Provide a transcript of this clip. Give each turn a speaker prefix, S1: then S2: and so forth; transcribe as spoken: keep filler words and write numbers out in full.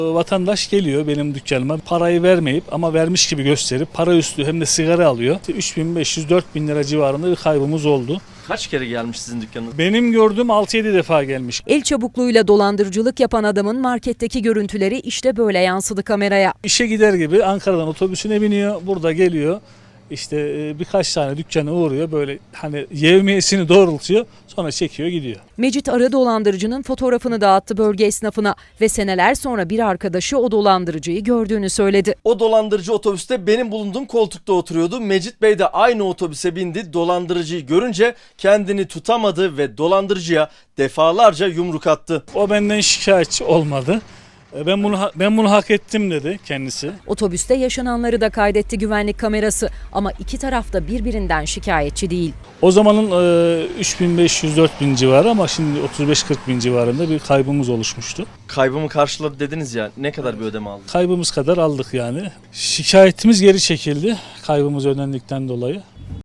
S1: Vatandaş geliyor benim dükkanıma, parayı vermeyip ama vermiş gibi gösterip para üstü hem de sigara alıyor. üç bin beş yüz dört bin lira civarında bir kaybımız oldu.
S2: Kaç kere gelmiş sizin dükkanınıza?
S1: Benim gördüğüm altı yedi defa gelmiş.
S3: El çabukluğuyla dolandırıcılık yapan adamın marketteki görüntüleri işte böyle yansıdı kameraya.
S1: İşe gider gibi Ankara'dan otobüsüne biniyor, burada geliyor. İşte birkaç tane dükkana uğruyor, böyle hani yevmiyesini doğrultuyor, sonra çekiyor gidiyor.
S3: Mecit Arı dolandırıcının fotoğrafını dağıttı bölge esnafına ve seneler sonra bir arkadaşı o dolandırıcıyı gördüğünü söyledi.
S2: O dolandırıcı otobüste benim bulunduğum koltukta oturuyordu. Mecit Bey de aynı otobüse bindi. Dolandırıcıyı görünce kendini tutamadı ve dolandırıcıya defalarca yumruk attı.
S1: O benden şikayetçi olmadı. Ben bunu ben bunu hak ettim dedi kendisi.
S3: Otobüste yaşananları da kaydetti güvenlik kamerası ama iki taraf da birbirinden şikayetçi değil.
S1: O zamanın üç bin beş yüz dört bin civarı ama şimdi otuz beş kırk bin civarında bir kaybımız oluşmuştu.
S2: Kaybımı karşıladı dediniz ya, ne kadar bir ödeme aldı?
S1: Kaybımız kadar aldık yani. Şikayetimiz geri çekildi kaybımız ödendikten dolayı.